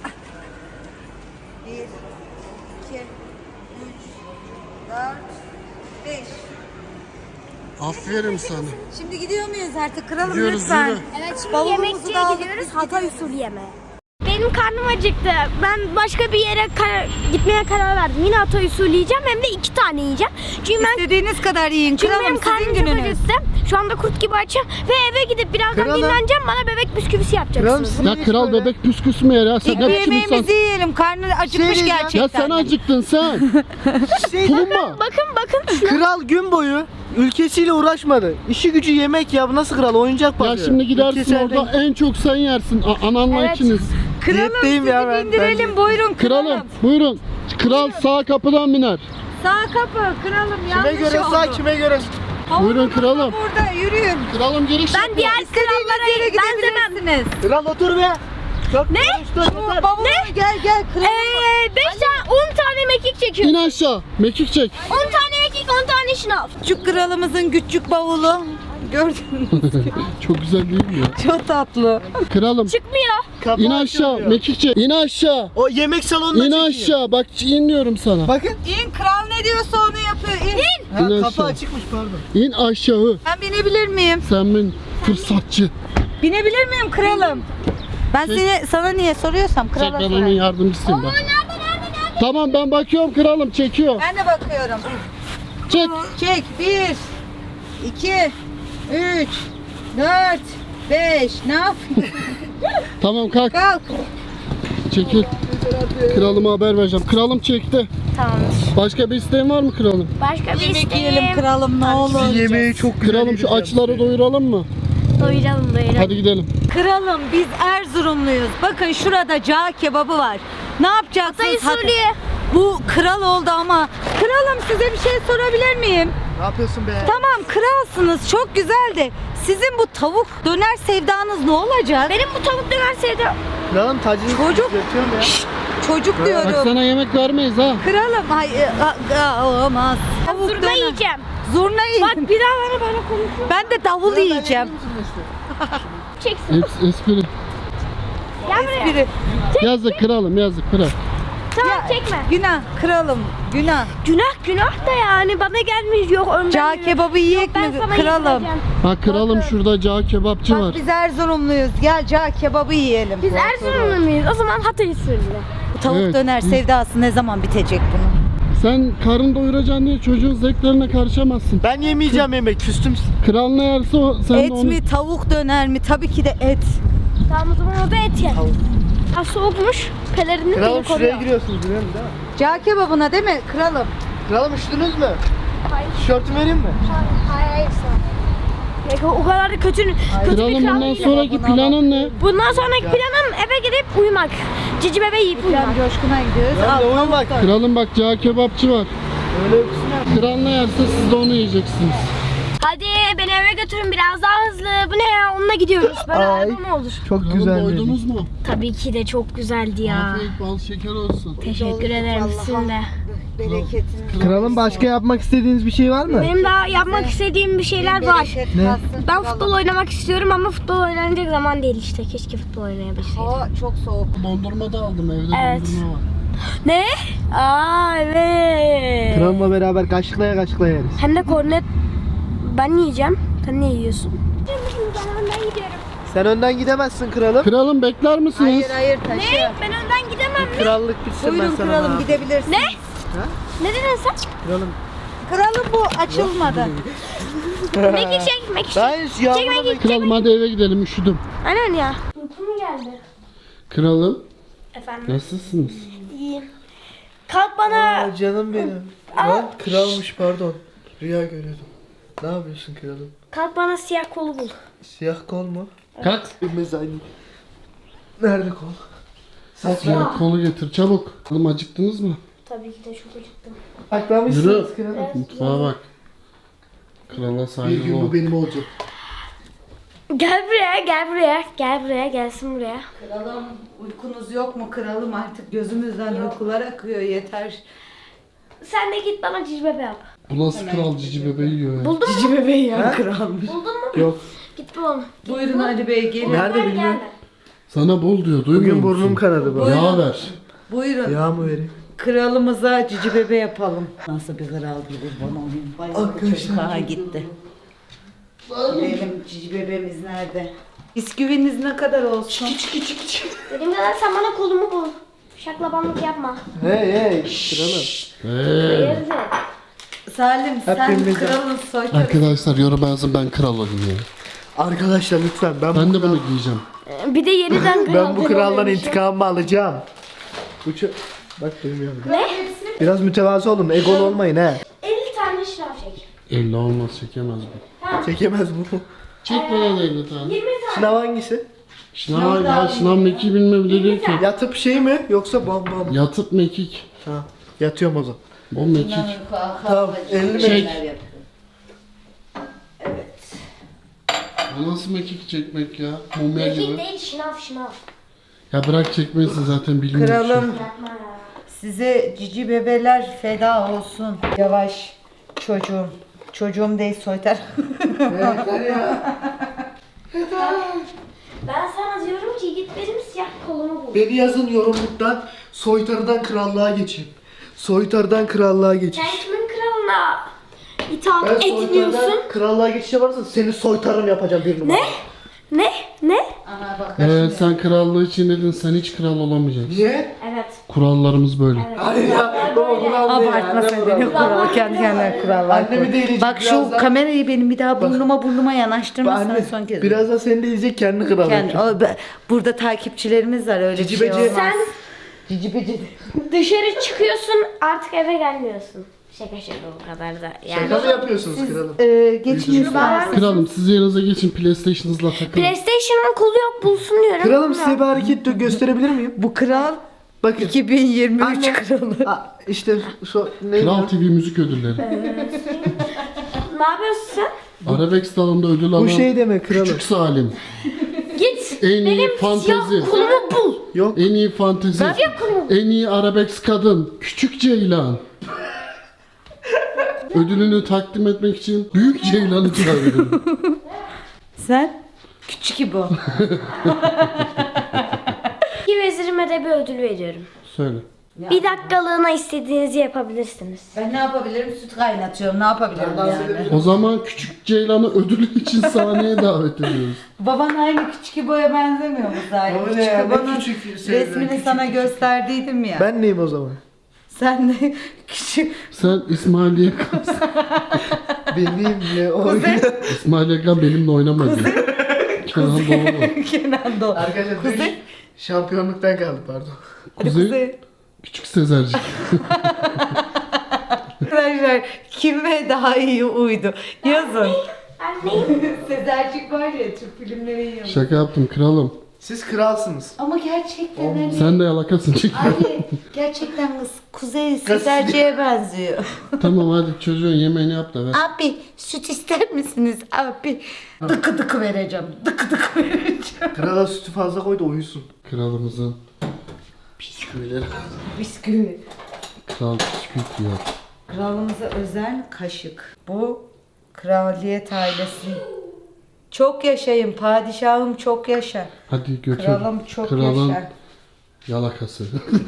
[SPEAKER 1] Bir, iki, üç, dört, beş.
[SPEAKER 3] Aferin sana.
[SPEAKER 1] Şimdi gidiyor muyuz artık kralım
[SPEAKER 3] Gidiyoruz,
[SPEAKER 1] lütfen?
[SPEAKER 3] yürü.
[SPEAKER 4] Evet şimdi
[SPEAKER 1] Bavulumuzu
[SPEAKER 4] yemekçiye
[SPEAKER 1] da aldık,
[SPEAKER 4] gidiyoruz
[SPEAKER 1] biz
[SPEAKER 4] Hatay
[SPEAKER 1] gidiyoruz.
[SPEAKER 4] usulü yemeğe. beş benim karnım acıktı. Ben başka bir yere kar- gitmeye karar verdim. Yine Hatay usulü yiyeceğim, hem de iki tane yiyeceğim. Çünkü ben
[SPEAKER 1] İstediğiniz kadar yiyin.
[SPEAKER 4] çünkü
[SPEAKER 1] Kralım
[SPEAKER 4] benim
[SPEAKER 1] sizin
[SPEAKER 4] karnım çok
[SPEAKER 1] gününüz.
[SPEAKER 4] acıktı. Şu anda kurt gibi açım ve eve gidip birazdan
[SPEAKER 2] Kralım.
[SPEAKER 4] dinleneceğim. Bana bebek bisküvisi
[SPEAKER 2] Kralım
[SPEAKER 4] yapacaksınız.
[SPEAKER 2] sizin
[SPEAKER 3] Ya
[SPEAKER 2] iş
[SPEAKER 3] kral
[SPEAKER 2] böyle.
[SPEAKER 3] bebek püsküs mü yer ya? Sen
[SPEAKER 1] İlk
[SPEAKER 3] ne
[SPEAKER 1] bir
[SPEAKER 3] biçim
[SPEAKER 1] yemeğimizi
[SPEAKER 3] insan?
[SPEAKER 1] yiyelim. Karnı acıkmış
[SPEAKER 2] Şey diyeceğim.
[SPEAKER 1] gerçekten.
[SPEAKER 3] Ya sen acıktın sen.
[SPEAKER 2] Şey,
[SPEAKER 3] Tulumba.
[SPEAKER 4] Bakın bakın şu.
[SPEAKER 2] kral gün boyu ülkesiyle uğraşmadı. İşi gücü yemek ya. Bu nasıl kral? Oyuncak
[SPEAKER 3] Ya
[SPEAKER 2] bakıyor.
[SPEAKER 3] şimdi gidersin
[SPEAKER 2] Ülkesi
[SPEAKER 3] orada
[SPEAKER 2] elden-
[SPEAKER 3] en çok sen yersin. A- ananla
[SPEAKER 4] Evet.
[SPEAKER 3] ikiniz.
[SPEAKER 1] Kralım
[SPEAKER 2] Diyetteyim
[SPEAKER 1] sizi
[SPEAKER 2] ya ben.
[SPEAKER 1] bindirelim.
[SPEAKER 2] Ben-
[SPEAKER 1] Buyurun kralım.
[SPEAKER 3] Kralım buyurun. Kral sağ kapıdan biner.
[SPEAKER 1] Sağ kapı kralım
[SPEAKER 2] Kime
[SPEAKER 1] yanlış
[SPEAKER 2] göre
[SPEAKER 1] oldu.
[SPEAKER 2] sağ, kime göre?
[SPEAKER 3] Buyurun kralım.
[SPEAKER 1] Burada yürüyün.
[SPEAKER 3] Kralım giriş
[SPEAKER 4] Ben
[SPEAKER 3] yapıyor.
[SPEAKER 4] diğer krallara
[SPEAKER 1] Yere
[SPEAKER 4] benzemem.
[SPEAKER 1] gidebilirsiniz.
[SPEAKER 2] Kral otur be. Çok
[SPEAKER 4] Ne?
[SPEAKER 2] konuştun, yeter.
[SPEAKER 1] Bavulunu gel gel kralım.
[SPEAKER 4] Ee, beş tane, on tane mekik çekiyor.
[SPEAKER 3] İn aşağı. Mekik çek.
[SPEAKER 4] on tane mekik, on tane şınav.
[SPEAKER 1] Küçük kralımızın küçük bavulu. Gördün mü?
[SPEAKER 3] Çok güzel değil mi ya?
[SPEAKER 1] Çok tatlı.
[SPEAKER 3] Kralım.
[SPEAKER 4] Çıkmıyor.
[SPEAKER 2] Kapı
[SPEAKER 3] İn aşağı.
[SPEAKER 2] açılıyor.
[SPEAKER 3] Mekik çek. İn aşağı.
[SPEAKER 2] O yemek salonuna
[SPEAKER 3] İn
[SPEAKER 2] çekiyor.
[SPEAKER 3] aşağı. Bak in diyorum sana.
[SPEAKER 2] Bakın.
[SPEAKER 1] İn kral ne diyorsa onu yapıyor. İn.
[SPEAKER 2] Ha,
[SPEAKER 3] İn
[SPEAKER 2] kapı
[SPEAKER 3] aşağı.
[SPEAKER 2] açıkmış pardon.
[SPEAKER 3] İn aşağı.
[SPEAKER 1] Ben binebilir miyim?
[SPEAKER 3] Sen bin fırsatçı.
[SPEAKER 1] Binebilir miyim kralım? Ben seni sana niye soruyorsam
[SPEAKER 3] Çek
[SPEAKER 1] krala
[SPEAKER 3] ben onun
[SPEAKER 1] sorarım.
[SPEAKER 3] yardımcısıyım ben. Tamam ben bakıyorum kralım çekiyor.
[SPEAKER 1] Ben de bakıyorum.
[SPEAKER 3] Çek.
[SPEAKER 1] Çek. Bir, iki, üç, dört, beş. Ne yapıyorsun?
[SPEAKER 3] Tamam kalk.
[SPEAKER 1] Kalk.
[SPEAKER 3] Çekil. Kralıma haber vereceğim. Kralım çekti.
[SPEAKER 4] Tamamdır.
[SPEAKER 3] Başka bir isteğin var mı kralım?
[SPEAKER 4] Başka bir
[SPEAKER 1] Yemek yiyelim
[SPEAKER 4] isteğim.
[SPEAKER 1] kralım ne olur.
[SPEAKER 2] Sizin yemeği çok güzel
[SPEAKER 3] Kralım şu
[SPEAKER 2] yedik
[SPEAKER 3] açları
[SPEAKER 2] ya.
[SPEAKER 3] doyuralım mı?
[SPEAKER 4] Doyuralım doyuralım.
[SPEAKER 3] Hadi gidelim.
[SPEAKER 1] Kralım biz Erzurumluyuz. Bakın şurada cağ kebabı var. Ne yapacaksınız?
[SPEAKER 4] Hatay usulü.
[SPEAKER 1] Hat- Bu kral oldu ama. Kralım size bir şey sorabilir miyim?
[SPEAKER 2] Ne yapıyorsun be?
[SPEAKER 1] Tamam kralsınız çok güzel de sizin bu tavuk döner sevdanız ne olacak?
[SPEAKER 4] Benim bu tavuk döner sevdim.
[SPEAKER 2] Kralım tacını
[SPEAKER 1] Çocuk.
[SPEAKER 2] götürüyorum ya.
[SPEAKER 1] Çocuk
[SPEAKER 3] Bak
[SPEAKER 1] diyorum.
[SPEAKER 3] sana yemek vermeyiz ha.
[SPEAKER 1] Kralım ay a- a- olmaz. Tavuk
[SPEAKER 4] Zurna
[SPEAKER 1] döner.
[SPEAKER 4] yiyeceğim.
[SPEAKER 1] Zurna yiyin.
[SPEAKER 4] Bak bir daha bana böyle konuşuyor.
[SPEAKER 1] Ben de davul yiyeceğim.
[SPEAKER 4] Çeksin.
[SPEAKER 3] Hepsi espri.
[SPEAKER 4] Gel buraya.
[SPEAKER 1] Biri.
[SPEAKER 3] Yazık kralım yazık bırak.
[SPEAKER 4] Tamam çekme.
[SPEAKER 1] Günah kralım günah.
[SPEAKER 4] Günah günah da yani bana gelmiş yok önden.
[SPEAKER 1] Cağ
[SPEAKER 4] yürü.
[SPEAKER 1] kebabı
[SPEAKER 4] Yok,
[SPEAKER 1] yiyek
[SPEAKER 4] ben
[SPEAKER 1] mi
[SPEAKER 4] sana
[SPEAKER 1] kralım?
[SPEAKER 4] yedireceğim.
[SPEAKER 3] Bak kralım şurada cağ kebapçı var.
[SPEAKER 1] Bak biz Erzurumluyuz. Gel cağ kebabı yiyelim.
[SPEAKER 4] Biz Erzurumlu muyuz? O zaman Hatay usulü.
[SPEAKER 1] Bu tavuk
[SPEAKER 3] Evet,
[SPEAKER 1] döner
[SPEAKER 3] biz-
[SPEAKER 1] sevdası ne zaman bitecek bunun?
[SPEAKER 3] Sen karın doyuracaksın diye çocuğun zevklerine karışamazsın.
[SPEAKER 2] Ben yemeyeceğim yemek. Küstüm.
[SPEAKER 3] Kral ne yerse o, sen
[SPEAKER 1] Et
[SPEAKER 3] de onu...
[SPEAKER 1] mi tavuk döner mi? Tabii ki de et.
[SPEAKER 4] Tamam o zaman o da et ye.
[SPEAKER 2] Tavuk.
[SPEAKER 4] Ha soğukmuş. Pelerini
[SPEAKER 2] Kralım
[SPEAKER 4] beni
[SPEAKER 2] şuraya
[SPEAKER 4] koruyor.
[SPEAKER 2] giriyorsunuz biliyorum değil mi?
[SPEAKER 1] Cağ kebabına değil mi kralım?
[SPEAKER 2] Kralım üşüdünüz mü?
[SPEAKER 4] Hayır.
[SPEAKER 2] Tişörtümü vereyim mi?
[SPEAKER 4] Hayır hayır sana. O kadar da kötü, kötü bir
[SPEAKER 3] Kralım
[SPEAKER 4] kral
[SPEAKER 3] bundan
[SPEAKER 4] değilim.
[SPEAKER 3] sonraki planın ne?
[SPEAKER 4] Bundan sonraki planım eve gidip uyumak. Cici bebe yiyip uyumak.
[SPEAKER 1] Can Coşkun'a gidiyoruz.
[SPEAKER 2] Ben de
[SPEAKER 1] Al,
[SPEAKER 2] uyumak.
[SPEAKER 1] tavuk döner.
[SPEAKER 3] Kralım bak cağ kebapçı var.
[SPEAKER 2] Öyle öpsün.
[SPEAKER 3] Kral ne yerse siz de onu yiyeceksiniz.
[SPEAKER 4] Hadi beni eve götürün biraz daha hızlı. Bu ne ya? Onunla gidiyoruz. Böyle
[SPEAKER 2] Ay.
[SPEAKER 4] araba mı olur?
[SPEAKER 2] Çok
[SPEAKER 3] Kralım
[SPEAKER 2] güzel.
[SPEAKER 3] doydunuz mu?
[SPEAKER 4] Tabii ki de çok güzeldi ya.
[SPEAKER 3] Afiyet bal şeker olsun.
[SPEAKER 4] Teşekkür ederim sizin de.
[SPEAKER 1] Bereketini.
[SPEAKER 2] Kralım başka yapmak istediğiniz bir şey var mı?
[SPEAKER 4] Benim daha yapmak istediğim bir şeyler var.
[SPEAKER 1] Bereket
[SPEAKER 2] Ne?
[SPEAKER 1] kalsın
[SPEAKER 4] Ben
[SPEAKER 1] kralım.
[SPEAKER 4] futbol oynamak istiyorum ama futbol oynanacak zaman değil işte. Keşke futbol oynayabilseydim.
[SPEAKER 1] Hava çok soğuk.
[SPEAKER 3] Dondurma da aldım evde
[SPEAKER 4] Evet.
[SPEAKER 3] dondurma var.
[SPEAKER 4] Ne? Aa evet.
[SPEAKER 2] Kralımla beraber kaşıklaya kaşıklaya yeriz.
[SPEAKER 4] Hem de kornet ben yiyeceğim. Sen ne yiyorsun? Ben önden gidiyorum.
[SPEAKER 2] Sen önden gidemezsin kralım.
[SPEAKER 3] Kralım bekler misiniz?
[SPEAKER 1] Hayır hayır taşı.
[SPEAKER 4] Ne? Ben önden gidemem.
[SPEAKER 2] Krallık bitsin
[SPEAKER 1] Buyurun
[SPEAKER 2] ben sana.
[SPEAKER 1] kralım
[SPEAKER 2] ne
[SPEAKER 1] gidebilirsin.
[SPEAKER 4] Ne? Ne dedin sen?
[SPEAKER 2] Kralım.
[SPEAKER 1] Kralım bu açılmadı.
[SPEAKER 4] Mekik çek, mekik çek.
[SPEAKER 2] Ben hiç yağmurda
[SPEAKER 4] Çek mekik, çek
[SPEAKER 3] Kralım hadi eve gidelim üşüdüm.
[SPEAKER 4] Aynen ya. Uykum geldi.
[SPEAKER 3] Kralım
[SPEAKER 4] Efendim?
[SPEAKER 3] nasılsınız?
[SPEAKER 4] İyiyim. Kalk bana.
[SPEAKER 2] Aa, canım benim. Lan kralmış pardon. Rüya görüyordum. Ne yapıyorsun kralım?
[SPEAKER 4] Kalk bana siyah kolu bul.
[SPEAKER 2] Siyah kol mu?
[SPEAKER 3] Kalk.
[SPEAKER 2] Bilmez aynı. Nerede kol? Saçma.
[SPEAKER 3] Siyah kolu getir çabuk. Kralım acıktınız mı?
[SPEAKER 4] Tabii ki de çok acıktım.
[SPEAKER 2] Saklamışsınız kralım.
[SPEAKER 3] Mutfağa bak. Krala
[SPEAKER 2] Bir
[SPEAKER 3] saygılı
[SPEAKER 2] gün
[SPEAKER 3] ol.
[SPEAKER 2] bu benim olacak.
[SPEAKER 4] Gel buraya, gel buraya, gel buraya, gelsin buraya.
[SPEAKER 1] Kralım uykunuz yok mu kralım artık gözümüzden uykular akıyor yeter.
[SPEAKER 4] Sen de git bana cici bebe yap.
[SPEAKER 3] Bu nasıl kral cici bebeği yiyor ya?
[SPEAKER 4] Buldun mu?
[SPEAKER 1] Cici bebeği ya kralmış.
[SPEAKER 4] Buldun mu?
[SPEAKER 2] Yok.
[SPEAKER 4] Git bul onu. Git
[SPEAKER 1] Buyurun
[SPEAKER 4] bul.
[SPEAKER 1] Ali Bey gelin.
[SPEAKER 2] Nerede
[SPEAKER 4] Gel,
[SPEAKER 2] bilmiyorum.
[SPEAKER 4] gel.
[SPEAKER 3] Sana bol diyor duymuyor
[SPEAKER 2] Bugün
[SPEAKER 3] musun?
[SPEAKER 2] burnum kanadı bu.
[SPEAKER 3] Yağ ver.
[SPEAKER 1] Buyurun.
[SPEAKER 2] Yağ mı vereyim?
[SPEAKER 1] Kralımıza cici bebe yapalım. Nasıl bir kral gibi bana olayım. Bayağı
[SPEAKER 2] Arkadaşlar.
[SPEAKER 1] çocuk aha gitti. Gidelim cici bebemiz nerede? Bisküviniz ne kadar olsun?
[SPEAKER 4] Dediğim kadar sen bana kolumu bul. Şaklabanlık yapma.
[SPEAKER 2] Hey hey kralım.
[SPEAKER 3] Hey.
[SPEAKER 4] Hayırdır?
[SPEAKER 1] Salim sen
[SPEAKER 2] Hepimiz-
[SPEAKER 1] kralın soytarı.
[SPEAKER 3] Arkadaşlar yorum yazın, ben kral olayım ya.
[SPEAKER 2] Arkadaşlar lütfen ben,
[SPEAKER 3] Ben
[SPEAKER 2] bu,
[SPEAKER 3] de bunu giyeceğim.
[SPEAKER 4] Bir de yeniden kral
[SPEAKER 2] ben bu kraldan
[SPEAKER 4] oluyormuşum.
[SPEAKER 2] intikamımı alacağım. Bu çö- Bak duymuyorum.
[SPEAKER 4] Ne?
[SPEAKER 2] Biraz mütevazı olun, egolu olmayın he.
[SPEAKER 4] elli tane şınav çek.
[SPEAKER 3] elli olmaz, çekemez bu.
[SPEAKER 2] Çekemez bu.
[SPEAKER 3] Çek bana da elli tane.
[SPEAKER 4] yirmi tane.
[SPEAKER 2] Sınav hangisi?
[SPEAKER 3] Şınav, ya şınav mekik bilmem bile değil ki.
[SPEAKER 2] Yatıp şey mi yoksa bam bam?
[SPEAKER 3] Yatıp mekik.
[SPEAKER 2] Ha, yatıyorum o zaman.
[SPEAKER 3] Bu mekik.
[SPEAKER 2] Tamam, elli mi?
[SPEAKER 3] Çek.
[SPEAKER 1] Evet.
[SPEAKER 3] Bu nasıl mekik çekmek ya? Mumya
[SPEAKER 4] Mekik
[SPEAKER 3] gibi.
[SPEAKER 4] değil şınav şınav.
[SPEAKER 3] Ya bırak çekmesin, zaten bilmiyorum.
[SPEAKER 1] Kralım
[SPEAKER 4] Yapma ya.
[SPEAKER 1] size cici bebeler feda olsun. Yavaş çocuğum. Çocuğum değil soytar.
[SPEAKER 4] Ben sana diyorum ki git benim siyah kolumu bul.
[SPEAKER 2] Beni yazın yorumluktan, soytarıdan krallığa geçeyim. Soytarıdan krallığa geçeyim.
[SPEAKER 4] Sen kimin kralına itaat
[SPEAKER 2] Ben
[SPEAKER 4] etmiyorsun?
[SPEAKER 2] soytarıdan krallığa geçişe varsa seni soytarım yapacağım bir numara.
[SPEAKER 4] Ne? Ne? Ne?
[SPEAKER 1] Ana bak.
[SPEAKER 3] Ee, sen krallığı için dedin, sen hiç kral olamayacaksın.
[SPEAKER 2] Niye?
[SPEAKER 4] Evet.
[SPEAKER 3] Kurallarımız böyle.
[SPEAKER 2] Hayır ya, baba kural ne ya?
[SPEAKER 1] Abartma
[SPEAKER 2] Ne
[SPEAKER 1] sen
[SPEAKER 2] kural?
[SPEAKER 1] beni kuralı kendi kendine kurallar
[SPEAKER 2] Annemi
[SPEAKER 1] koy.
[SPEAKER 2] de eğilecek
[SPEAKER 1] Bak şu
[SPEAKER 2] birazdan.
[SPEAKER 1] kamerayı benim bir daha burnuma burnuma yanaştırma
[SPEAKER 2] Anne,
[SPEAKER 1] sana son kez.
[SPEAKER 2] birazdan seni de izleyecek kendi kral
[SPEAKER 1] Kendi,
[SPEAKER 2] yapacak.
[SPEAKER 1] o, be- burada takipçilerimiz var öyle
[SPEAKER 2] Cici
[SPEAKER 1] bir şey
[SPEAKER 2] beci.
[SPEAKER 1] olmaz.
[SPEAKER 4] Sen
[SPEAKER 1] Cici beci.
[SPEAKER 4] dışarı çıkıyorsun artık eve gelmiyorsun. Şaka şaka o kadar da. Yani.
[SPEAKER 2] Şaka mı yapıyorsunuz kralım?
[SPEAKER 1] Ee, geçin
[SPEAKER 4] Ben-
[SPEAKER 3] Kralım, siz yerinize geçin, PlayStation'ınızla takılın.
[SPEAKER 4] PlayStation'ın kolu yok bulsun diyorum.
[SPEAKER 2] Kralım size bir hareket de gösterebilir miyim?
[SPEAKER 1] Bu kral
[SPEAKER 2] Bakın.
[SPEAKER 1] iki bin yirmi üç
[SPEAKER 2] Anne.
[SPEAKER 1] kralı.
[SPEAKER 2] Aa, işte şu neydi?
[SPEAKER 3] Kral T V müzik ödülleri.
[SPEAKER 4] Ne yapıyorsun sen?
[SPEAKER 3] Arabesk dalında ödül alan
[SPEAKER 2] Bu şey demek kralım.
[SPEAKER 3] Küçük Salim.
[SPEAKER 4] Git
[SPEAKER 3] En iyi
[SPEAKER 4] benim
[SPEAKER 3] fantezi.
[SPEAKER 4] siyah kolumu bul.
[SPEAKER 2] Yok.
[SPEAKER 3] En iyi fantezi.
[SPEAKER 4] Siyah kolumu bul.
[SPEAKER 3] En iyi arabesk kadın. Küçük Ceylan. Ödülünü takdim etmek için Büyük Ceylan'ı çağırıyorum.
[SPEAKER 1] Sen? Küçük İbo.
[SPEAKER 4] İki vezirime de bir ödül veriyorum.
[SPEAKER 3] Söyle.
[SPEAKER 4] Bir dakikalığına istediğinizi yapabilirsiniz.
[SPEAKER 1] Ben ne yapabilirim? Süt kaynatıyorum. Ne yapabilirim yani?
[SPEAKER 3] O zaman Küçük Ceylan'ı ödülü için sahneye davet ediyoruz.
[SPEAKER 1] Baban aynı küçük İbo'ya benzemiyor mu zaten?
[SPEAKER 2] Baba ne
[SPEAKER 1] Küçük
[SPEAKER 2] ya, ne
[SPEAKER 1] İbo'nun
[SPEAKER 2] küçük şeyler,
[SPEAKER 1] resmini
[SPEAKER 2] küçük
[SPEAKER 1] sana
[SPEAKER 2] küçük.
[SPEAKER 1] gösterdiydim ya.
[SPEAKER 2] Ben neyim o zaman?
[SPEAKER 1] Sen de küçük.
[SPEAKER 3] Sen İsmail Yakan.
[SPEAKER 2] Benimle oyna.
[SPEAKER 3] İsmail Yakan benimle oynamadı. Kenan Doğulu.
[SPEAKER 1] Kenan Doğulu.
[SPEAKER 2] Arkadaşlar
[SPEAKER 1] Kuzey.
[SPEAKER 2] Kuzey. Şampiyonluktan kaldı pardon.
[SPEAKER 1] Hadi
[SPEAKER 3] Kuzey.
[SPEAKER 1] Kuzey.
[SPEAKER 3] Küçük Sezercik.
[SPEAKER 1] Arkadaşlar kime daha iyi uydu? Yazın.
[SPEAKER 4] Ben neyim?
[SPEAKER 1] Sezercik var ya Türk filmleri yiyor.
[SPEAKER 3] Şaka yaptım kralım.
[SPEAKER 2] Siz kralsınız.
[SPEAKER 1] Ama gerçekten hani...
[SPEAKER 3] Sen de yalakasın çek.
[SPEAKER 1] Ay, gerçekten kız Kuzey Sezerci'ye benziyor.
[SPEAKER 3] Tamam hadi çocuğun yemeğini yap da ver.
[SPEAKER 1] Abi süt ister misiniz abi? Dıkı dıkı vereceğim. Dıkı dıkı vereceğim.
[SPEAKER 2] Krala sütü fazla koy da uyusun.
[SPEAKER 3] Kralımızın bisküvileri.
[SPEAKER 1] Bisküvi.
[SPEAKER 3] Kral bisküvi diyor.
[SPEAKER 1] Kralımıza özel kaşık. Bu kraliyet ailesi. Çok yaşayın padişahım çok yaşa.
[SPEAKER 3] Hadi götür.
[SPEAKER 1] Kralım çok
[SPEAKER 3] Kralın
[SPEAKER 1] yaşa.
[SPEAKER 3] yalakası.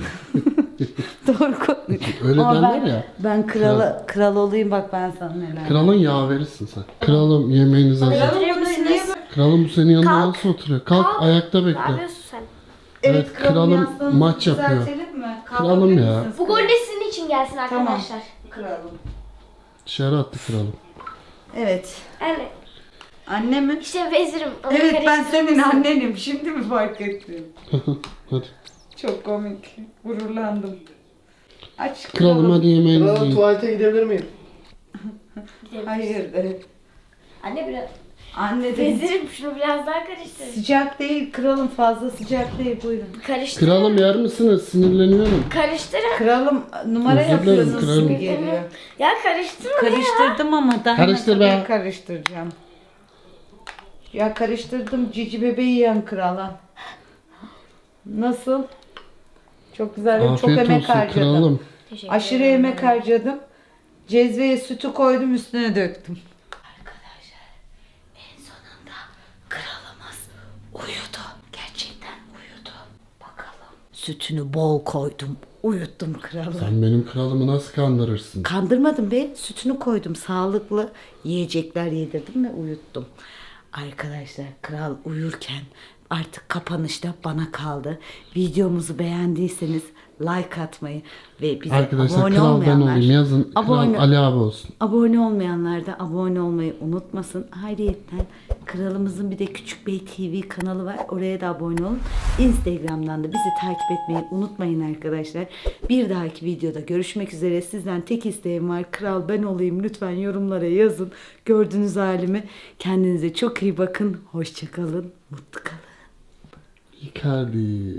[SPEAKER 1] Doğru konuş.
[SPEAKER 3] Öyle
[SPEAKER 1] Ama
[SPEAKER 3] derler
[SPEAKER 1] ben,
[SPEAKER 3] ya.
[SPEAKER 1] ben kralı, kral olayım bak ben sana neler.
[SPEAKER 3] Kralın yaverisin sen. Kralım yemeğinizi hazır.
[SPEAKER 4] Getirir misiniz?
[SPEAKER 3] Kralım bu senin yanında
[SPEAKER 4] Kalk.
[SPEAKER 3] nasıl oturuyor? Kalk,
[SPEAKER 4] Kalk.
[SPEAKER 3] ayakta
[SPEAKER 4] Ne
[SPEAKER 3] bekle.
[SPEAKER 4] yapıyorsun sen?
[SPEAKER 3] Evet, kralım maç yapıyor.
[SPEAKER 1] Mi?
[SPEAKER 3] Kralım ya.
[SPEAKER 4] Bu gol de sizin için gelsin arkadaşlar.
[SPEAKER 1] Kralım.
[SPEAKER 3] Dışarı attı kralım.
[SPEAKER 1] Evet.
[SPEAKER 4] Yani
[SPEAKER 1] Anne mi?
[SPEAKER 4] işte vezirim. Onu
[SPEAKER 1] Evet ben
[SPEAKER 4] karıştırır
[SPEAKER 1] senin
[SPEAKER 4] mısın?
[SPEAKER 1] annenim. Şimdi mi fark ettim?
[SPEAKER 3] Hadi.
[SPEAKER 1] Çok komik. Gururlandım. Aç
[SPEAKER 3] Kralım hadi yemeğinizi
[SPEAKER 2] Kralım
[SPEAKER 3] yiyin.
[SPEAKER 2] tuvalete gidebilir miyim?
[SPEAKER 1] Hayır. evet.
[SPEAKER 4] Anne biraz.
[SPEAKER 1] Anne de
[SPEAKER 4] Vezirim şunu biraz daha karıştır.
[SPEAKER 1] sıcak değil kralım fazla sıcak değil buyurun.
[SPEAKER 4] Karıştır.
[SPEAKER 3] Kralım yer misiniz? Sinirleniyorum.
[SPEAKER 4] Karıştırın.
[SPEAKER 1] Kralım numara
[SPEAKER 3] Özür dilerim,
[SPEAKER 1] yapıyorsunuz
[SPEAKER 3] kralım.
[SPEAKER 1] gibi geliyor.
[SPEAKER 4] Ya karıştırma ya.
[SPEAKER 1] Karıştırdım ama daha
[SPEAKER 3] Karıştır
[SPEAKER 1] ne
[SPEAKER 3] be.
[SPEAKER 1] kadar karıştıracağım. Ya karıştırdım cici bebeği yiyen krala. Nasıl? Çok güzel çok
[SPEAKER 3] Afiyet
[SPEAKER 1] emek
[SPEAKER 3] olsun
[SPEAKER 1] harcadım.
[SPEAKER 3] kralım.
[SPEAKER 4] Teşekkür
[SPEAKER 1] Aşırı
[SPEAKER 4] ederim.
[SPEAKER 1] emek harcadım. Cezveye sütü koydum üstüne döktüm. Arkadaşlar en sonunda kralımız uyudu. Gerçekten uyudu. Bakalım. Sütünü bol koydum. Uyuttum kralı.
[SPEAKER 3] Sen benim kralımı nasıl kandırırsın?
[SPEAKER 1] Kandırmadım be. Sütünü koydum. Sağlıklı yiyecekler yedirdim ve uyuttum. Arkadaşlar kral uyurken artık kapanışta bana kaldı. Videomuzu beğendiyseniz like atmayı ve bize
[SPEAKER 3] Arkadaşlar
[SPEAKER 1] abone
[SPEAKER 3] kral ben
[SPEAKER 1] olmayanlar
[SPEAKER 3] olayım. Yazın
[SPEAKER 1] abone,
[SPEAKER 3] kral Ali abi olsun.
[SPEAKER 1] abone olmayanlar da abone olmayı unutmasın. Hayriyetten kralımızın bir de Küçük Bey T V kanalı var. Oraya da abone olun. Instagram'dan da bizi takip etmeyi unutmayın arkadaşlar. Bir dahaki videoda görüşmek üzere. Sizden tek isteğim var. Kral ben olayım. Lütfen yorumlara yazın. Gördüğünüz halimi. Kendinize çok iyi bakın. Hoşça kalın. Mutlu kalın.
[SPEAKER 3] Icardi.